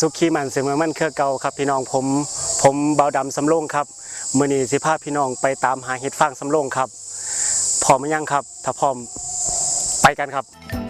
สุขีมันเสมอมันคือเก่าครับพี่น้องผมเบาดำสำโรงครับมื้อนี้สิพาพี่น้องไปตามหาเห็ดฟางสำโรงครับพร้อมหรือยังครับถ้าพร้อมไปกันครับ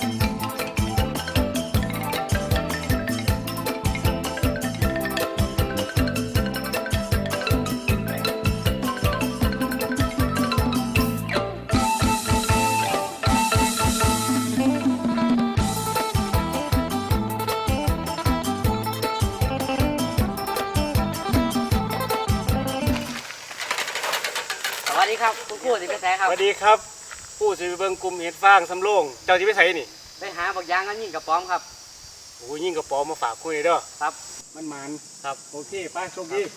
สวัสดีครับคุณครูสิไปไสครับสวัสดีครับผู้สิไปเบิ่งกลุ่มเห็ดฟางสำโรงเจ้าสิไปไสนี่ไปหาบักยางกันยิ่งกับป้อมครับโอ้ยิ่งกระป๋อมาฝากคุยเด้อครับมันหมานครับโอเคไปโชคดี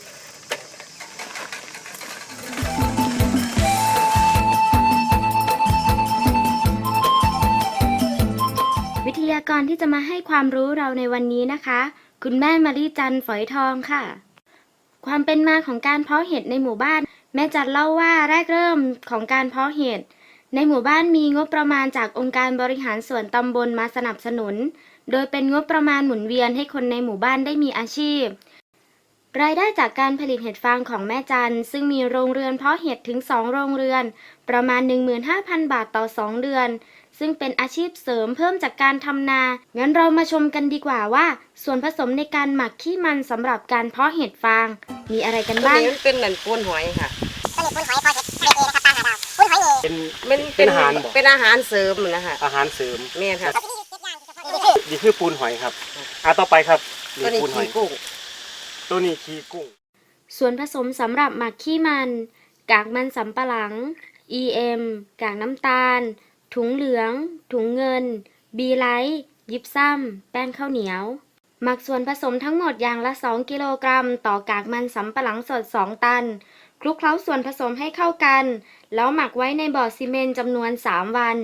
วิทยากรที่จะมาให้ความรู้เราในวันนี้นะคะคุณแม่มารีจันทร์ฝอยทองค่ะความเป็นมาของการเพาะเห็ดในหมู่บ้านแม่จันเล่าว่าแรกเริ่มของการเพาะเห็ดในหมู่บ้านมีงบประมาณจากองค์การบริหารส่วนตำบลมาสนับสนุนโดยเป็นงบประมาณหมุนเวียนให้คนในหมู่บ้านได้มีอาชีพรายได้จากการผลิตเห็ดฟางของแม่จันซึ่งมีโรงเรือนเพาะเห็ดถึง2โรงเรือนประมาณ 15,000 บาทต่อ2เดือนซึ่งเป็นอาชีพเสริมเพิ่มจากการทำนางั้นเรามาชมกันดีกว่าว่าส่วนผสมในการหมักขี้มันสำหรับการเพาะเห็ดฟางมีอะไรกันบ้างมันเป็นเหมือนปูนหอยค่ะปูนหอยพอเห็ดเองนะครับตามหาดาวปูนหอยนี่เป็นอาหารบ่เป็นอาหารเสริมนะคะอาหารเสริมแม่นค่ะนี่คือปูนหอยครับต่อไปครับตัวนี้ขี้กุ้งตัวนี้ขี้กุ้งส่วนผสมสำหรับหมักขี้มันกากมันสำปะหลัง EM กากน้ำตาลถุงเหลืองถุงเงินบีไลท์ยิบซ้ำแป้งข้าวเหนียวหมักส่วนผสมทั้งหมดอย่างละ2กิโลกรัมต่อกากมันสำปะหลังสด2ตันคลุกเคล้าส่วนผสมให้เข้ากันแล้วหมักไว้ในบ่อซีเมนต์จำนวน3วัน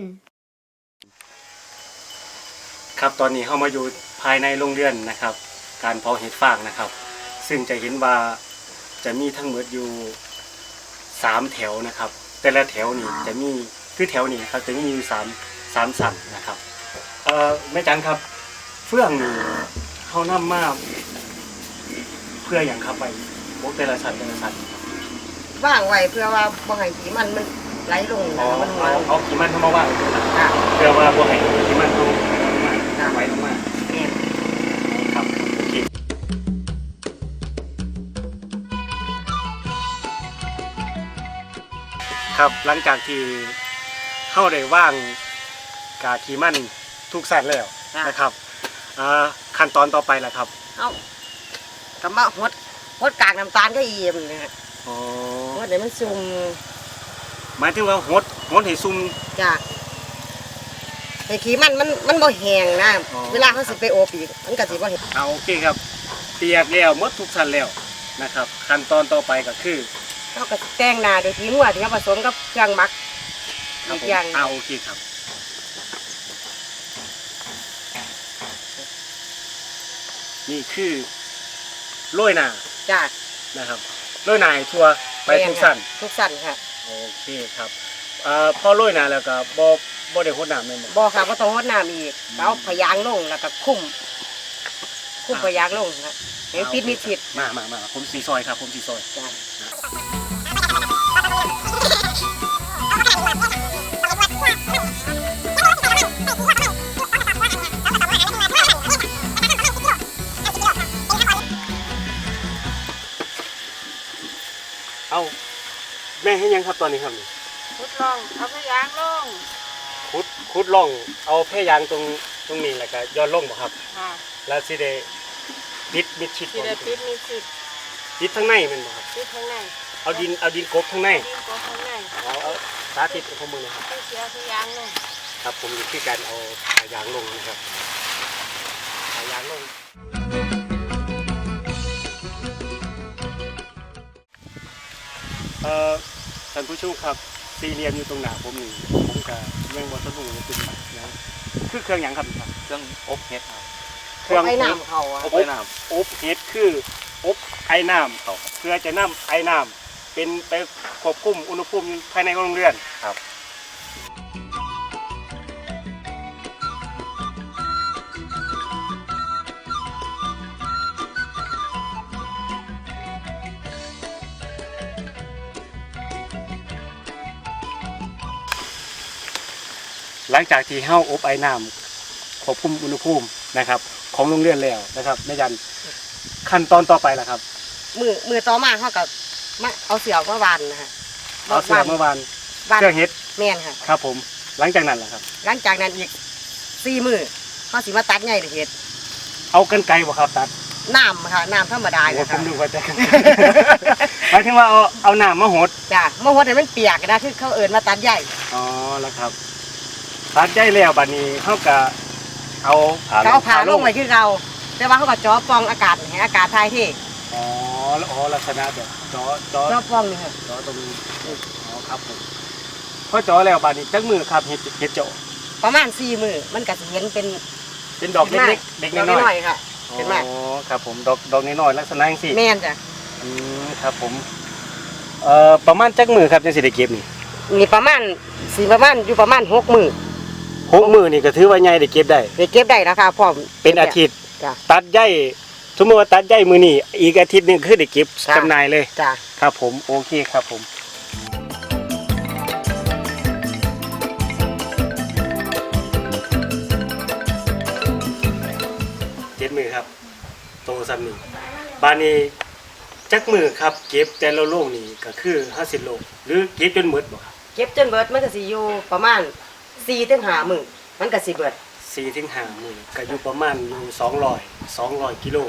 ครับตอนนี้เข้ามาอยู่ภายในโรงเรือนนะครับการเพาะเห็ดฟางนะครับซึ่งจะเห็นว่าจะมีทั้งหมดอยู่3แถวนะครับแต่ละแถวนี่จะมีคือแถวนี้ครับจะมีอยู่3สั่นนะครับแม่จันครับเฟื่องนี่เขานำมาเพื่ออย่างครับไปพวกแต่ละสั่นว่างไว้เพื่อว่าบ่ให้ขี้มันไหลลงมันเอาขี้มันเข้ามาว่างตรงนั้นเพื่อว่าบ่ให้ขี้มันเข้ามาไว้ลงมาครับโอเคครับหลังจากที่เข้าได้ว่างกาขี้มันทุกสั่นแล้วนะครับขั้นตอนต่อไปแหละครับเอากำบะหดกากน้ำตาลก็เยี่ยมนะฮะหดเดี๋ยวมันซุ่มหมายถึงว่าหดให้ซุ่มจ้ะไอ้ขี้มันบ่แห้งนะเวลาเขาสิไปโอบอีกมันก็สิบ่แห้งโอเคครับเปียกแล้วหมดทุกชั้นแล้วนะครับขั้นตอนต่อไปก็คือเราก็แต่งหน้าโดยที่หัวที่ผสมกับเครื่องหมักอีกอย่างโอเคครับนี่คือโรยหน้าจ้ะนะครับโรยหน้าทั่วไปทุกชั้นค่ะโอเคครับพอโรยหน้าแล้วก็บ่ได้หดน้ำเลยบ่ค่ะบ่ต้องหดน้ำอีกเอาพยางลงแล้วก็คุ้มพยางลงครับให้ปิดมิดชิดมาผมสีซอยครับผมสีซอยจ้ะเอาแม่ให้ยังครับตอนนี้ครับขุดล่องเอาพยางลงขุดล่องเอาแพร่ยางตรงนี้แหละก็ย้อนลงบ่ครับแล้วสิได้ปิดมิดชิดปิดทั้งในมันบ่ครับปิดทั้งในเอาดินกบทั้งในเอาสาธิตของมือนะครับเสียพยางลงครับผมอยู่ที่การเอายางลงนะครับเอายางลงท่านผู้ชมครับสี่เหลี่ยมอยู่ตรงหน้าผมนี่ผมกับเรื่องวัสดุเป็นแบบนะคือเครื่องอย่างครับเครื่องอบเห็ดครับเครื่องไอ้น้ำเขาอบเห็ดคืออบไอ้น้ำเขาเพื่อจะนำไอ้น้ำเป็นไปควบคุมอุณหภูมิภายในโรงเรือนครับหลังจากที่เฮาอบไอ้น้ำควบคุมอุณหภูมินะครับ ของโรงเรือนแล้วนะครับแม่จันขั้นตอนต่อไปล่ะครับมือต่อมาเขาก็มาเอาเสือมาวานนะฮะเอาเสื้อเมื่อวานวานเครื่องเฮ็ดแม่นค่ะครับผมหลังจากนั้นล่ะครับหลังจากนั้นอีก4 มื้อเขาสิมาตัดใหญ่เฮ็ดเอากรรไกรบ่ครับตัดน้ำค่ะน้ำธรรมดาโอ้เนี่ยผค่ะมดูว่าจะ หมายถึงว่าเอาน้ำมาหดจ้ะเมื่อวันนี้มันเปียกนะคือเขาเอิญมาตัดใหญ่อ๋อแล้วครับตัดได้แล้วบัดนี้เฮาก็เอาเขาเอาผ่าลงไว้คือเราแต่ว่าเขาก็จ่อปล่องอากาศให้อากาศถ่ายเทอ๋อลักษณะแบบจ่อจ่อปล่องนี่ค่ะจ่อตรงนี้อ๋อครับผมพอจ่อแล้วบัดนี้จักมือครับเฮ็ดจ่อประมาณ4 มื้อมันก็สิเห็นเป็นเป็นดอกเล็กๆเด็กดอกน้น้ออย ยๆค่ะๆเห็นไหมอ๋อครับผมดอกน้อยๆลักษณะจังซี่แม่นจ้ะครับผมประมาณจักมือครับจังสิได้เก็บนี่มีประมาณอยู่ประมาณ6 มื้อ 6มื้อนี่ก็ถือว่าใหญ่ได้เก็บได้ได้เก็บได้แล้วค่ะพร้อมเป็นอาทิตย์จ้ะตัดใยสมมติว่าตัดใยมือนี่อีกอาทิตย์หนึงคือได้เก็บจ้ะจำหน่ายเลยจ้ะครับผมโอเคครับผม7 มือครับโตซ้ำนี่บานนี้จักมือครับเก็บแต่ละโลงนี่ก็คือ50โลหรือเก็บจนหมดบ่ครับเก็บจนเบิดมันก็สิอยู่ประมาณ4 ถึง 5 มื้อมันก็สิเบิด 4 ถึง 5 มือก็อยู่ประมาณอยู่200กิโล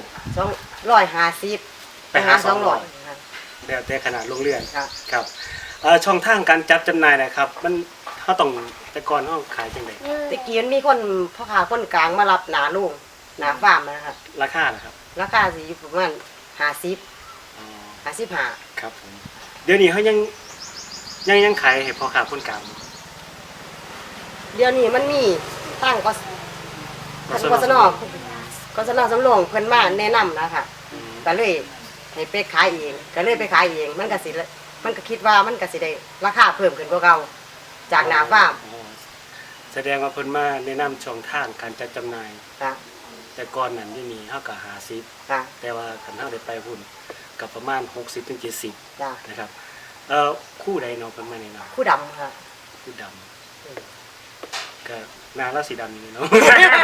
250 ไปหา 200ค่ะแล้วแต่ขนาดโรงเรือนค่ะครับช่องทางการจัดจำหน่ายนะครับ มันเขาต้องแต่ก่อนเขาขายจังไดตะกี้มันมีคนพ่อค้าคนกลางมารับหนาลุงหนาฟาร์มนะครับราคานะครับราคาสิอยู่ประมาณ50 อ๋อ 55 ครับผมเดี๋ยวนี้เขายังขายให้พ่อค้าคนกลางอยู่เดี๋ยวนี้มันมีตั้งกศนสำรองเพิ่นมาแนะนำนะคะอืมก็เลยให้ไปขายเองก็เลยไปขายเองมันก็คิดว่ามันก็สิได้ราคาเพิ่มขึ้นกว่าเก่าจากหนาฟาร์มอ๋อแสดงว่าเพิ่นมาแนะนำช่องทางการจัดจำหน่ายค่ะแต่ก่อนนั้นที่นี่เขาก็50 ค่ะแต่ว่าคันเฮาได้ไปพุ่นกับประมาณ60ถึง70 จ้ะนะครับคู่ใดเนาะเพิ่นมาแนะนำผู้ดำค่ะคู่ดำก็หนาราสีดำนี่เนาะ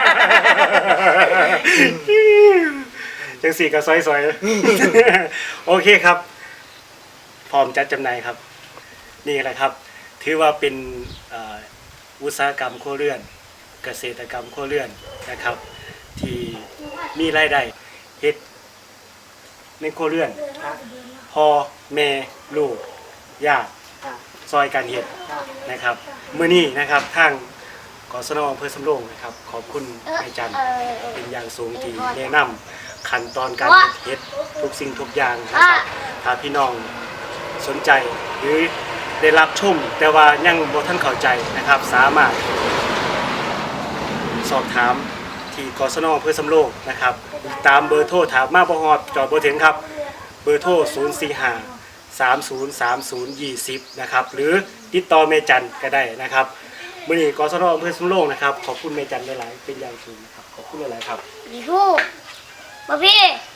จังสี่ก็ซอยๆ โอเคครับ พร้อมจัดจำหน่ายครับ นี่แหละครับ ถือว่าเป็นอุตสาหกรรมครัวเรือน เกษตรกรรมครัวเรือนนะครับ ที่มีรายได้เฮ็ดในครัวเรือนค่ะพ่อแม่ลูกญาติค่ะซอยการเฮ็ดค่ะนะครับมื้อนี้นะครับทางกศนอำเภอสำโรงนะครับ ขอบคุณนายจันทร์เป็นอย่างสูงที่แนะนำขั้นตอนการเฮ็ดทุกสิ่งทุกอย่างนะครับถ้าพี่น้องสนใจหรือได้รับชมแต่ว่ายังบ่ทันเข้าใจนะครับ สามารถสอบถามที่กศนอำเภอสำโรงนะครับ ตามเบอร์โทรถามมาบ่ฮอดจอดบ่ถึงครับ เบอร์โทร 045-303020 นะครับ หรือติดต่อเมจันก็ได้นะครับมื้อนี้กศนอำเภอสำโรงนะครับ ขอบคุณเมจันหลายๆเป็นอย่างสูงนะครับ ขอบคุณหลายๆครับพี่ผู้มาพี่